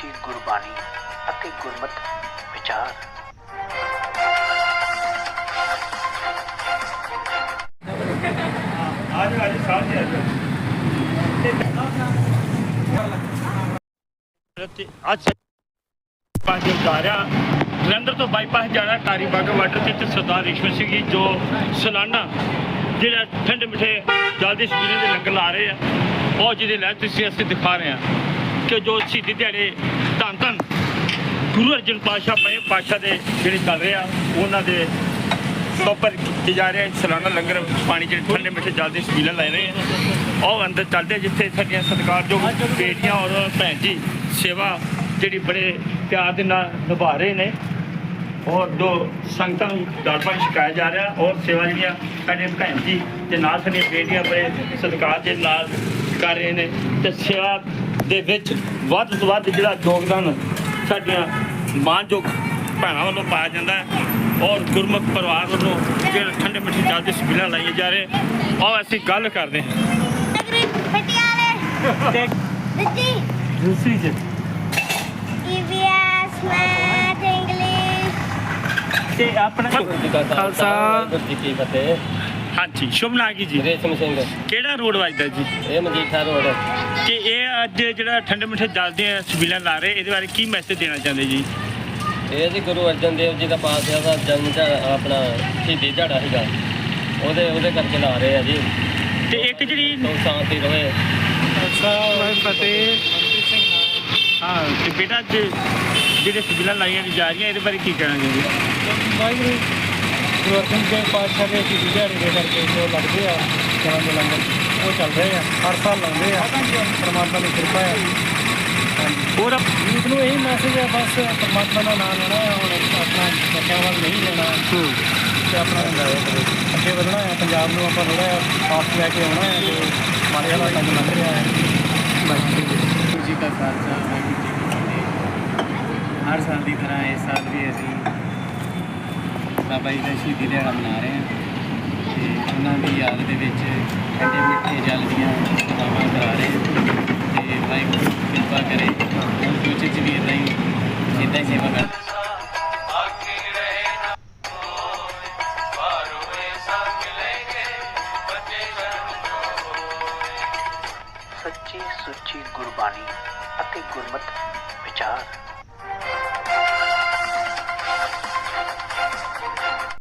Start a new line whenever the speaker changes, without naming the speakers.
ਸੁੱਚੀ ਗੁਰਬਾਣੀ ਅਤੇ ਗੁਰਮਤਿ ਵਿਚਾਰ।
ਅੱਜ ਪੰਜ ਉਤਾਰਿਆ ਜਲੰਧਰ ਤੋਂ ਬਾਈਪਾਸ ਜਾਣਾ ਟਾਰੀ ਬਾਗਾ ਵਾਟਰ ਤੇ ਸਰਦਾਰ ਰਿਸ਼ਵਤ ਸਿੰਘ ਜੀ ਜੋ ਸਾਲਾਨਾ ਜਿਹੜਾ ਠੰਡੇ ਮਿੱਠੇ ਜਲਦੀ ਸਪੀਲੇ ਦੇ ਲੰਗਰ ਲਾ ਰਹੇ ਆ, ਉਹ ਜਿਹਦੇ ਲੈ ਤੁਸੀਂ ਅਸੀਂ ਦਿਖਾ ਰਹੇ ਹਾਂ ਕਿ ਜੋ ਸ਼ਹੀਦੀ ਦਿਹਾੜੇ ਧੰਨ ਧੰਨ ਗੁਰੂ ਅਰਜਨ ਪਾਤਸ਼ਾਹ ਪਏ ਪਾਤਸ਼ਾਹ ਦੇ ਜਿਹੜੇ ਚੱਲ ਰਹੇ ਆ ਉਹਨਾਂ ਦੇ ਉੱਪਰ ਕੀਤੇ ਜਾ ਰਹੇ ਸਾਲਾਨਾ ਲੰਗਰ ਪਾਣੀ ਜਿਹੜੇ ਠੰਡੇ ਮਿੱਠੇ ਜਲਦੀ ਸਪੀਲੇ ਲੈ ਰਹੇ ਆ। ਉਹ ਅੰਦਰ ਚੱਲਦੇ ਜਿੱਥੇ ਸਾਡੀਆਂ ਸਤਿਕਾਰਯੋਗ ਬੇਟੀਆਂ ਔਰ ਭੈਣ ਜੀ ਸੇਵਾ ਜਿਹੜੀ ਬੜੇ ਪਿਆਰ ਦੇ ਨਾਲ ਨਿਭਾ ਰਹੇ ਨੇ ਔਰ ਜੋ ਸੰਗਤਾਂ ਨੂੰ ਦਾਲ ਪਾਣੀ ਛਕਾਇਆ ਜਾ ਰਿਹਾ ਔਰ ਸੇਵਾ ਜਿਹੜੀਆਂ ਸਾਡੇ ਭੈਣ ਜੀ ਤੇ ਨਾਲ ਸਾਡੀਆਂ ਬੇਟੀਆਂ ਬੜੇ ਸਤਿਕਾਰ ਦੇ ਨਾਲ ਕਰ ਰਹੇ ਨੇ ਤੇ ਸੇਵਾ ਦੇ ਵਿੱਚ ਵੱਧ ਤੋਂ ਵੱਧ ਜਿਹੜਾ ਯੋਗਦਾਨ ਸਾਡੀਆਂ ਮਾਣਯੋਗ ਭੈਣਾਂ ਵੱਲੋਂ ਪਾਇਆ ਜਾਂਦਾ ਹੈ ਔਰ ਗੁਰਮੁਖ ਪਰਿਵਾਰ ਵੱਲੋਂ ਜਿਹੜਾ ਠੰਡੇ ਮਿੱਠੇ ਜਲਦੀ ਸਪੀਲਾਂ ਲਾਈਆਂ ਜਾ ਰਹੇ ਔਰ ਅਸੀਂ ਗੱਲ ਕਰਦੇ ਹਾਂ ਦੂਸਰੀ ਚ
EVS ਮੈਥ ਇੰਗਲਿਸ਼
ਤੇ ਆਪਣਾ
ਖਾਲਸਾ ਵਾਹਿਗੁਰੂ ਜੀ ਕੀ ਫਤਿਹ।
ਹਾਂਜੀ ਸ਼ੁਭ ਨਾਗੀ ਜੀ
ਰੇਸ਼ਮ ਸਿੰਘ
ਕਿਹੜਾ ਰੋਡ ਵੱਜਦਾ ਜੀ?
ਇਹ ਮਜੀਠਾ ਰੋਡ।
ਕਿ ਇਹ ਅੱਜ ਜਿਹੜਾ ਠੰਡੇ ਮਿੱਠੇ ਜਲਦੀ ਸਪੀਲਾਂ ਲਾ ਰਹੇ ਇਹਦੇ ਬਾਰੇ ਕੀ ਮੈਸੇਜ ਦੇਣਾ ਚਾਹੁੰਦੇ ਜੀ?
ਇਹ ਜੀ ਗੁਰੂ ਅਰਜਨ ਦੇਵ ਜੀ ਦਾ ਪਾਤਸ਼ਾਹ ਦਾ ਜਨਮ ਦਿਹਾੜਾ ਆਪਣਾ ਸ਼ਹੀਦੀ ਦਿਹਾੜਾ ਸੀਗਾ, ਉਹਦੇ ਕਰਕੇ ਲਾ ਰਹੇ ਆ ਜੀ।
ਤੇ ਇੱਕ ਜਿਹੜੀ
ਸੋ ਸ਼ਾਂਤੀ ਰਹੇ।
ਫਤਿਹ ਹਾਂ ਤੇ ਬੇਟਾ ਅੱਜ ਜਿਹੜੇ ਸਪੀਲਾਂ ਲਾਈਆਂ ਜਾ ਰਹੀਆਂ ਇਹਦੇ ਬਾਰੇ ਕੀ ਕਹਿਣਾ ਚਾਹੁੰਦੇ?
ਵਾਹਿਗੁਰੂ ਗੁਰੂ ਅਰਜਨ ਦੇਵ ਪਾਤਸ਼ਾਹ ਦੇ ਸ਼ਹੀਦੀ ਦਿਹਾੜੇ ਦੇ ਕਰਕੇ ਜੋ ਲੱਗਦੇ ਆ ਜਨਾਂ ਦੇ ਲੰਗਰ ਉਹ ਚੱਲ ਰਹੇ ਆ, ਹਰ ਸਾਲ ਲਾਉਂਦੇ ਆ। ਪਰਮਾਤਮਾ ਦੀ ਕਿਰਪਾ ਹੈ।
ਹੋਰ
ਯੂਥ ਨੂੰ ਇਹੀ ਮੈਸੇਜ ਹੈ ਬਸ ਪਰਮਾਤਮਾ ਦਾ ਨਾਮ ਲੈਣਾ ਹੈ, ਹੁਣ ਆਪਣਾ ਬੱਚਿਆਂ ਵੱਲ ਨਹੀਂ ਲੈਣਾ ਤੇ ਆਪਣਾ ਅੱਗੇ ਵਧਣਾ ਹੈ। ਪੰਜਾਬ ਨੂੰ ਆਪਾਂ ਥੋੜ੍ਹਾ ਜਿਹਾ ਆਪ ਲੈ ਕੇ ਆਉਣਾ ਹੈ ਜੋ ਮਾੜੇ ਹਾਲਾਤਾਂ 'ਚ ਲੰਘ ਰਿਹਾ ਹੈ।
ਵਾਹਿਗੁਰੂ ਜੀ ਕਾ ਖਾਲਸਾ ਵਾਹਿਗੁਰੂ ਜੀ ਕੀ ਫਤਿਹ। ਹਰ ਸਾਲ ਦੀ ਤਰ੍ਹਾਂ ਇਸ ਸਾਲ ਵੀ ਅਸੀਂ ਬਾਬਾ ਜੀ ਦਾ ਸ਼ਹੀਦੀ ਦਿਹਾੜਾ ਮਨਾ ਰਹੇ ਹਾਂ ਤੇ ਉਹਨਾਂ ਦੀ ਯਾਦ ਦੇ ਵਿੱਚ ਠੰਡੇ ਮਿੱਠੇ ਜਲ ਦੀਆਂ ਸੇਵਾਵਾਂ ਕਰਾ ਰਹੇ ਹਾਂ ਤੇ ਵਾਹਿਗੁਰੂ ਕਿਰਪਾ ਕਰੇ ਹੁਣ ਫਿਊਚਰ 'ਚ ਵੀ ਇੱਦਾਂ ਹੀ ਸੇਵਾ ਕਰ।
ਸੱਚੀ ਸੁੱਚੀ ਗੁਰਬਾਣੀ ਅਤੇ ਗੁਰਮਤਿ ਵਿਚਾਰ।